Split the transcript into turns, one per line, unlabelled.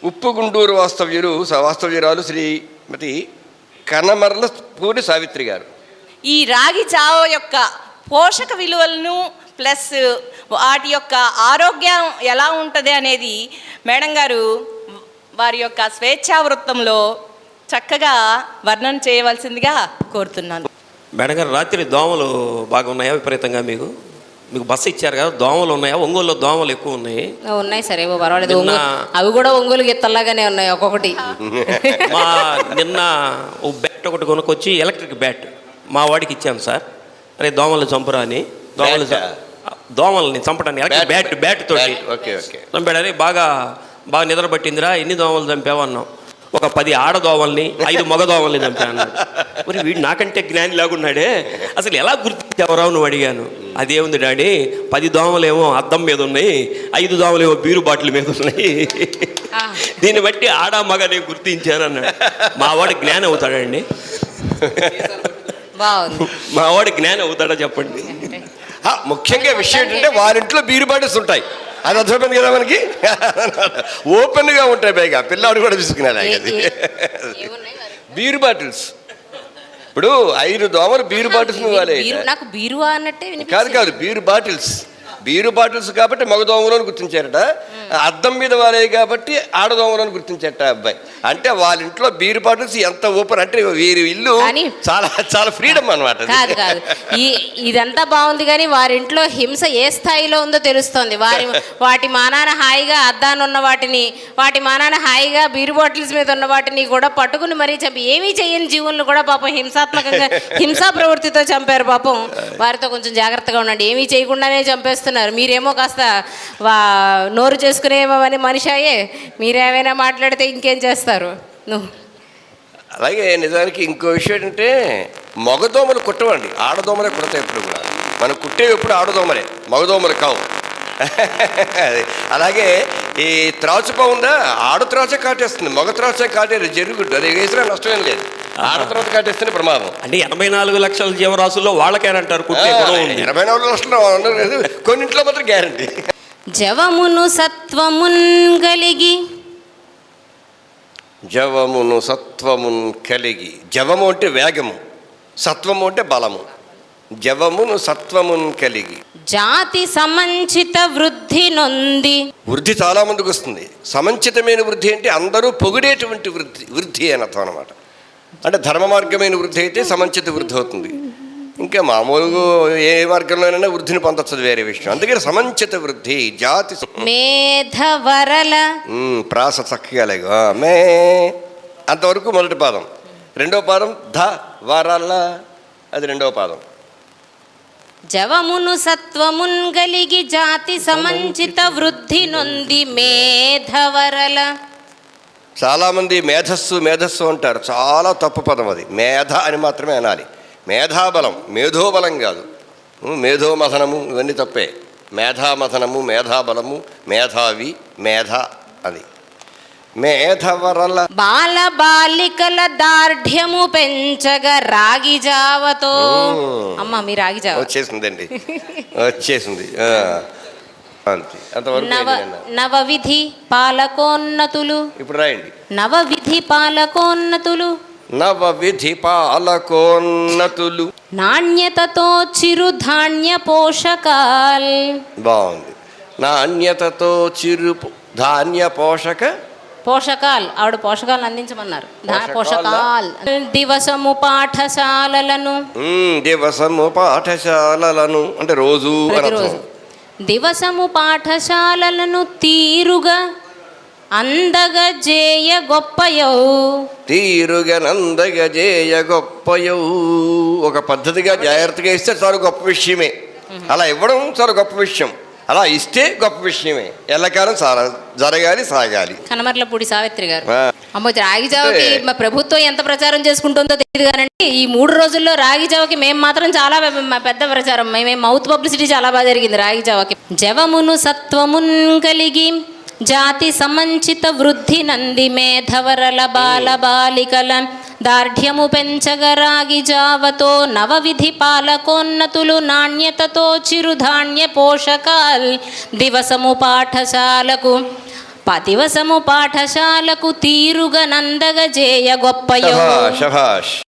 ఉప్పుగుండూరు వాస్తవ్యురాలు శ్రీమతి కనమర్ల పూరి సావిత్రి గారు.
ఈ రాగి జావ యొక్క పోషక విలువలను ప్లస్ వాటి యొక్క ఆరోగ్యం ఎలా ఉంటుంది అనేది మేడం గారు వారి యొక్క స్వేచ్ఛా వృత్తంలో చక్కగా వర్ణన చేయవలసిందిగా కోరుతున్నాను.
మేడం గారు, రాత్రి దోమలు బాగా ఉన్నాయా విపరీతంగా? మీకు బస్సు ఇచ్చారు కదా, దోమలు ఉన్నాయా? ఒంగోలులో దోమలు ఎక్కువ ఉన్నాయి.
ఉన్నాయి సరే, పర్వాలేదు. అవి కూడా ఒంగోలు గిత్తల్లాగానే ఉన్నాయి ఒక్కొక్కటి.
నిన్న ఓ బ్యాట్ ఒకటి కొనుక్కొచ్చి ఎలక్ట్రిక్ బ్యాట్ మా వాడికి ఇచ్చాను సార్. అరే దోమలు చంపురా అని. దోమల్ని చంపడానికి బ్యాట్ తోటి చంపాడని. బాగా నిద్ర పట్టిందిరా, ఎన్ని దోమలు చంపావన్నాం. ఒక 10 ఆడదోమల్ని 5 మగ దోమల్ని చంపాను. మరి వీడు నాకంటే జ్ఞాని లాగున్నాడే, అసలు ఎలా గుర్తించావరావు నువ్వు అడిగాను. అదేముంది డాడీ, 10 దోమలేమో అద్దం మీద ఉన్నాయి, 5 దోమలేమో బీరు బాటిల్ మీద ఉన్నాయి, దీన్ని బట్టి ఆడ మగ నేను గుర్తించానన్నాడు. మావాడు జ్ఞానం అవుతాడండి? మావాడు జ్ఞానం అవుతాడా చెప్పండి?
ముఖ్యంగా విషయం ఏంటంటే వారింట్లో బీరు బాటిల్స్ ఉంటాయి. అది అర్థమైంది కదా మనకి. ఓపెన్గా ఉంటాయి, పైగా పిల్లాడు కూడా తీసుకున్నాడు అది బీరు బాటిల్స్. ఇప్పుడు 5 దోమలు బీరు బాటిల్స్
నాకు బీరువా అన్నట్టే
కాదు బీరు బాటిల్స్ కాబట్టి మగ దోమలను గుర్తించారట. అద్దం మీద వారాయి కాబట్టి ఆడదోమలను గుర్తించారట అబ్బాయి. అంటే వాళ్ళ ఇంట్లో బీరు బాటిల్స్ ఎంత ఓపెన్ అంటే వీరి ఇల్లు చాలా చాలా ఫ్రీడమ్ అనమాట.
కాదు ఇదంతా బాగుంది, కానీ వారి ఇంట్లో హింస ఏ స్థాయిలో ఉందో తెలుస్తోంది. వాటి మానాన హాయిగా అద్దానున్న వాటి మానాన హాయిగా బీరు బాటిల్స్ మీద ఉన్న వాటిని కూడా పట్టుకుని మరీ చంపి ఏమీ చేయని జీవులను కూడా పాపం హింసాత్మకంగా హింసా ప్రవృత్తితో చంపారు. పాపం వారితో కొంచెం జాగ్రత్తగా ఉండండి. ఏమీ చేయకుండానే చంపేస్తున్నారు. మీరేమో కాస్త నోరు చేసుకునేమని మనిషి అయ్యే మీరేమైనా మాట్లాడితే ఇంకేం చేస్తారు నువ్వు.
అలాగే నిజానికి ఇంకో విషయం ఏంటంటే మగదోమలు కుట్టవండి, ఆడదోమలే కుడతాయి ఎప్పుడు కూడా. మనం కుట్టేవి ఎప్పుడు ఆడదోమలే, మగదోమలు కావు. అలాగే ఈ త్రాచుపా ఉందా, ఆడ త్రాచే కాటేస్తుంది, మగ త్రాచే కాటేది జరుగుద్దు. అది వేసినా నష్టమేం లేదు, ఆడ తర్వాత కాటేస్తేనే ప్రమాదం.
అంటే 84 లక్షల జీవరాశుల్లో వాళ్ళకేనంటారు కుట్టే గుణం ఉంది.
84 లక్షలు లేదు, కొన్నింట్లో మాత్రం గ్యారంటీ.
జవమును సత్వమున్ కలిగి, జవము అంటే వేగము, సత్వము అంటే బలము. జవమును సత్వమున్ కలిగి జాతి సమంచిత వృద్ధి నొంది.
వృద్ధి చాలా మందికి వస్తుంది. సమంచితమైన వృద్ధి అంటే అందరూ పొగిడేటువంటి వృద్ధి అని అర్థం అనమాట. అంటే ధర్మ మార్గమైన వృద్ధి అయితే సమంచిత వృద్ధి అవుతుంది. ఇంకా మామూలుగా ఏ మార్గంలోనైనా వృద్ధిని పొందొచ్చదు, వేరే విషయం. అందుకని సమంచిత వృద్ధి. జాతి
మేధవరల
ప్రాస చక్కగా లేగా మే అంతవరకు మొదటి పాదం. రెండవ పాదం ధ వరల, అది రెండవ పాదం.
జవమును సత్వమున్ గలిగి జాతి సమంచిత వృద్ధి నొంది మేధవరల.
చాలామంది మేధస్సు అంటారు, చాలా తప్పు పదం అది. మేధ అని మాత్రమే అనాలి. మేధాబలం, మేధోబలం కాదు. మేధోమథనము ఇవన్నీ తప్పే. మేధామథనము, మేధాబలము, మేధావి, మేధ అది. మేధవరల
బాల బాలికల దార్ఢ్యము పెంచగా రాగి జావతో. అమ్మ మీ రాగి జావ
వచ్చేసిందండి, వచ్చేసింది.
నవవిధి పాలకోన్నతులు.
ఇప్పుడు రాయండి.
నవవిధి పాలకోన్నతులు నాణ్యతతో చిరుధాన్య పోషకాల్.
బాగుంది. నాణ్యతతో చిరు ధాన్య పోషకాల్.
ఆవిడ పోషకాలను అందించమన్నారు. పోషకాల్. దివసము పాఠశాలలను
అంటే రోజు
ప్రతిరోజు. దివసము పాఠశాలలను తీరుగా అందగజేయ గొప్పయౌ.
ఒక పద్ధతిగా జాగ్రత్తగా ఇస్తే చాలా గొప్ప విషయమే. అలా ఇవ్వడం చాలా గొప్ప విషయం. అలా ఇస్తే గొప్ప విషయమే. ఎల్లకాలం జరగాలి, సాగాలి.
కనమర్లపూడి సావిత్రి గారు. అమ్మో, రాగి జావకి మా ప్రభుత్వం ఎంత ప్రచారం చేసుకుంటుందో తెలియదు కానండి, ఈ 3 రోజుల్లో రాగి జావకి మేము మాత్రం చాలా పెద్ద ప్రచారం. మేము మౌత్ పబ్లిసిటీ చాలా బాగా జరిగింది రాగి జావకి. జవమును సత్వమున్ కలిగి జాతి సమంచిత వృద్ధి నంది మేధవరల బాల బాలికల దార్ఢ్యము పెంచగరాగి జావతో నవవిధి పాలకోన్నతులు నాణ్యతతో చిరుధాన్య పోషకాల్ దివసము పాఠశాలకు పతివసము పాఠశాలకు తీరుగ నందగ జేయ గొప్పయో.
శభాష్